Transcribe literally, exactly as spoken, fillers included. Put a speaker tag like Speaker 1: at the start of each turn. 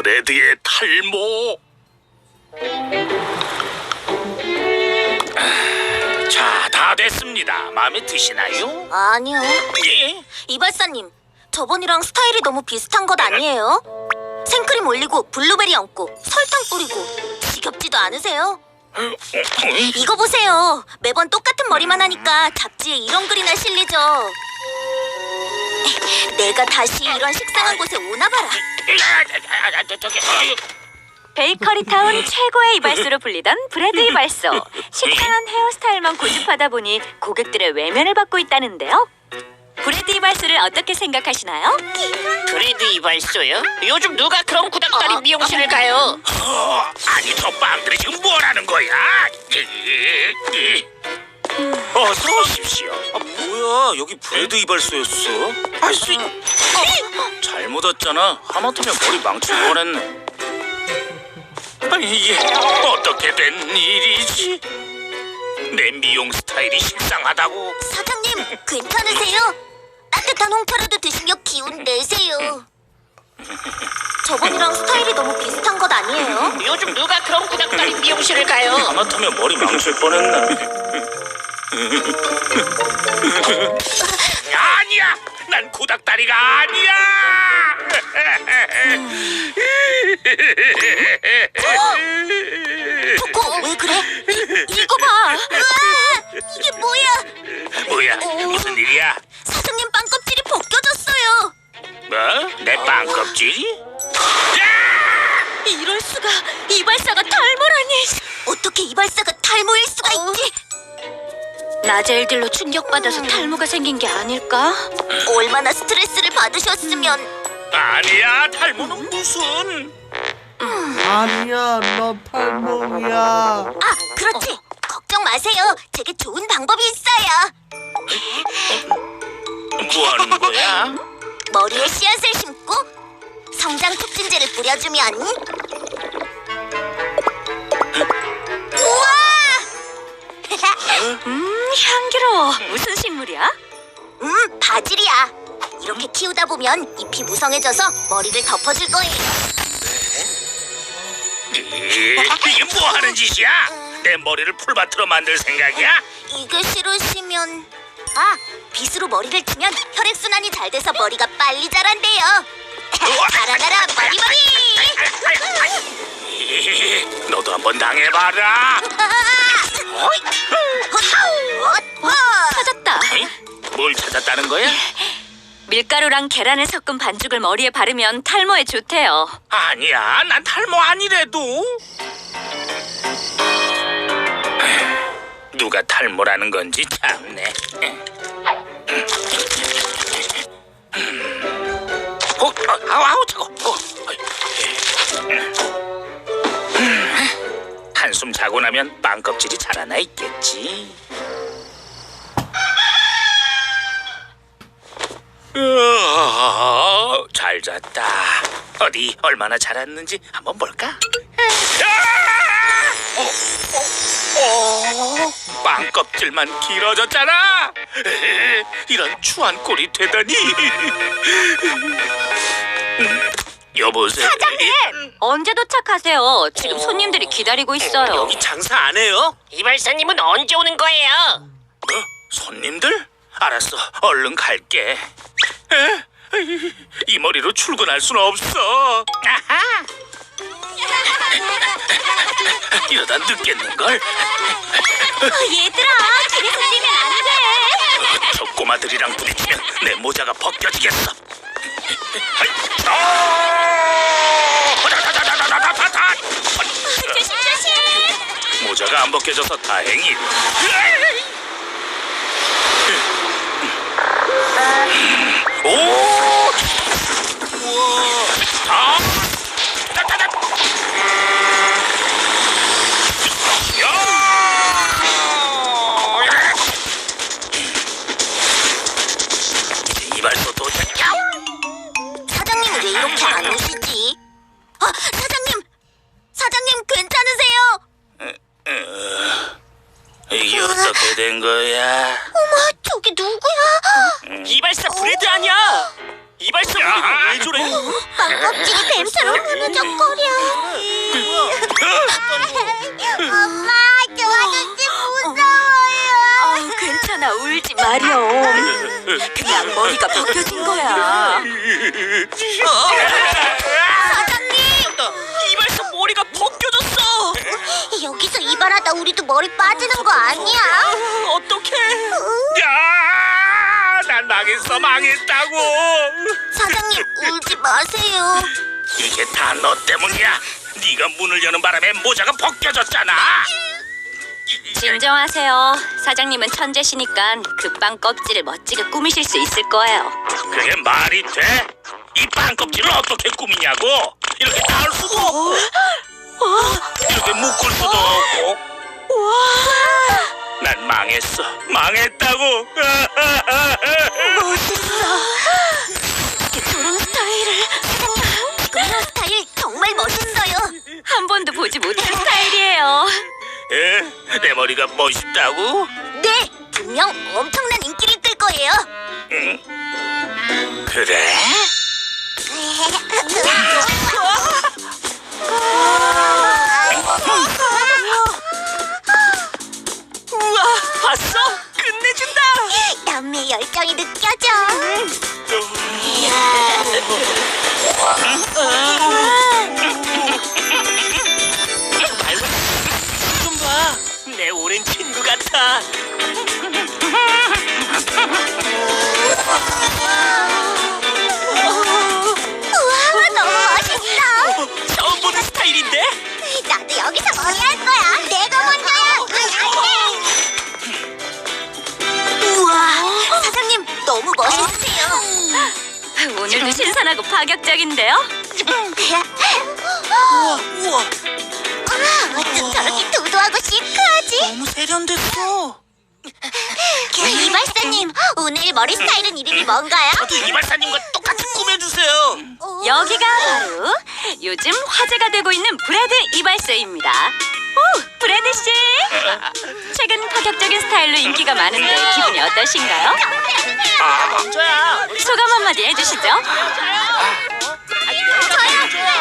Speaker 1: 브레드의 탈모. 자, 다 됐습니다. 마음에 드시나요?
Speaker 2: 아니요.
Speaker 1: 예?
Speaker 2: 이발사님, 저번이랑 스타일이 너무 비슷한 것 아니에요? 생크림 올리고 블루베리 얹고 설탕 뿌리고 지겹지도 않으세요? 이거 보세요. 매번 똑같은 머리만 하니까 잡지에 이런 글이나 실리죠. 내가 다시 이런 식상한 곳에 오나 봐라.
Speaker 3: 베이커리타운 최고의 이발소로 불리던 브래드 이발소. 식상한 헤어스타일만 고집하다 보니 고객들의 외면을 받고 있다는데요. 브래드 이발소를 어떻게 생각하시나요?
Speaker 4: 브레드 이발소요? 요즘 누가 그런 구닥다리 미용실을 가요?
Speaker 1: 어, 아니 저 빵들이 지금 뭐라는 거야? 어서 오십시오.
Speaker 5: 아 뭐야 여기 브레드 이발소였어?
Speaker 1: 아씨,
Speaker 5: 잘못 왔잖아. 하마터면 머리 망칠 뻔했네.
Speaker 1: 아니 이게 어떻게 된 일이지? 내 미용 스타일이 식상하다고?
Speaker 2: 사장님, 괜찮으세요? 따뜻한 홍차라도 드시며 기운 내세요. 저번이랑 스타일이 너무 비슷한 것 아니에요?
Speaker 4: 요즘 누가 그런 구닥다리 미용실을 가요?
Speaker 5: 하마터면 머리 망칠 뻔했네.
Speaker 1: 아니야, 난 구닥다리가 아니야.
Speaker 2: 초코, 왜 그래? 이, 이거 봐. 으아, 이게 뭐야?
Speaker 1: 뭐야, 무슨 일이야?
Speaker 2: 사장님 빵껍질이 벗겨졌어요.
Speaker 1: 뭐? 내 빵껍질이?
Speaker 3: 이럴 수가. 이발사가 탈모라니.
Speaker 2: 어떻게 이발사가 탈모일 수가 있지?
Speaker 3: 낮에 일들로 충격받아서 탈모가 생긴 게 아닐까?
Speaker 2: 얼마나 스트레스를 받으셨으면.
Speaker 1: 아니야, 탈모는 무슨?
Speaker 6: 아니야, 너 탈모야.
Speaker 2: 아, 그렇지. 걱정 마세요. 제게 좋은 방법이 있어요.
Speaker 1: 뭐 하는 거야?
Speaker 2: 머리에 씨앗을 심고 성장 촉진제를 뿌려주면. 우와!
Speaker 3: 음, 향기로워. 무슨 식물이야?
Speaker 2: 음, 바질이야. 이렇게 키우다 보면 잎이 무성해져서 머리를 덮어줄 거예요.
Speaker 1: 이게 뭐 하는 짓이야? 내 머리를 풀밭으로 만들 생각이야?
Speaker 2: 이게 싫으시면. 아, 빗으로 머리를 치면 혈액순환이 잘 돼서 머리가 빨리 자란대요. 자라나라 머리머리!
Speaker 1: 너도 한번 당해봐라.
Speaker 3: 찾았다.
Speaker 1: 뭘 찾았다는 거야?
Speaker 3: 밀가루랑 계란을 섞은 반죽을 머리에 바르면 탈모에 좋대요.
Speaker 1: 아니야, 난 탈모 아니래도. 누가 탈모라는 건지 참네. 어, 어, 아우, 아우, 차고. 어, 한숨 자고 나면 빵껍질이 자라나 있겠지. 으아, 잘 잤다. 어디 얼마나 자랐는지 한번 볼까? 아! 어, 어, 어, 빵껍질만 길어졌잖아. 에헤, 이런 추한 꼴이 되다니. 음, 여보세요.
Speaker 3: 사장님! 언제 도착하세요? 지금 손님들이 기다리고 있어요.
Speaker 5: 여기 장사 안 해요?
Speaker 4: 이발사님은 언제 오는 거예요?
Speaker 1: 뭐? 손님들? 알았어, 얼른 갈게. 에? 이 머리로 출근할 순 없어. 아하. 이러다 늦겠는걸?
Speaker 3: 얘들아, 길에서 뛰면 안 돼.
Speaker 1: 저 꼬마들이랑 부딪히면 내 모자가 벗겨지겠어. 아! 다다다다다다다다!
Speaker 3: 조심, 조심.
Speaker 1: 모자가 안 벗겨져서 다행이다. 오! 우와! 아! 따따따! 야! 이제 이발소 도착.
Speaker 2: 사장님은 왜 이렇게 안 오시지? 아, 사장님! 사장님 괜찮으세요?
Speaker 1: 이게 어떻게 된 거야?
Speaker 2: 어머, 저기 누구야?
Speaker 4: 이발사 브레드 아니야? 이발사 브레드 왜 저래?
Speaker 2: 빵껍질이 뱀처럼 무너졌고
Speaker 3: 울지 마렴. 그냥 머리가 벗겨진 거야.
Speaker 2: 사장님!
Speaker 4: 이발소 머리가 벗겨졌어.
Speaker 2: 여기서 이발하다 우리도 머리 빠지는 거 아니야?
Speaker 4: 어떡해?
Speaker 1: 야, 난 망했어, 망했다고.
Speaker 2: 사장님, 울지 마세요.
Speaker 1: 이게 다 너 때문이야. 네가 문을 여는 바람에 모자가 벗겨졌잖아.
Speaker 3: 진정하세요. 사장님은 천재시니까 그 빵 껍질을 멋지게 꾸미실 수 있을 거예요.
Speaker 1: 그게 말이 돼? 이 빵 껍질을 어떻게 꾸미냐고? 이렇게 닿을 수도 없고, 이렇게 묶을 수도 없고. 난 망했어, 망했다고.
Speaker 2: 저런 스타일을 사장님, 이런 스타일 정말 멋있어요.
Speaker 3: 한 번도 보지 못한 스타일이에요.
Speaker 1: 에? 내 머리가 멋있다고?
Speaker 2: 네, 분명 엄청난 인기를 끌 거예요.
Speaker 1: 그래?
Speaker 4: 우와, 봤어? 끝내준다.
Speaker 2: 남매의 열정이 느껴져.
Speaker 4: 좀 봐. 내 오랜 친구 같아.
Speaker 2: 우와, 너무 멋있어.
Speaker 4: 처음 보는 스타일인데?
Speaker 2: 나도 여기서 머리 할 거야. 내가 먼저야. 우와, 사장님 너무 멋있으세요.
Speaker 3: 오늘도 신선하고 파격적인데요.
Speaker 4: 우와, 우와.
Speaker 2: 어쩜 저렇게 도도하고 시크하지?
Speaker 4: 너무 세련됐어.
Speaker 2: 이발사님, 오늘 머리 스타일은 이름이 뭔가요?
Speaker 1: 저도 이발사님과 똑같이 꾸며주세요.
Speaker 3: 여기가 바로 요즘 화제가 되고 있는 브래드 이발소입니다. 오, 브래드 씨! 최근 파격적인 스타일로 인기가 많은데 기분이 어떠신가요?
Speaker 1: 아,
Speaker 4: 먼저야.
Speaker 3: 소감 한마디 해주시죠.
Speaker 2: 저요!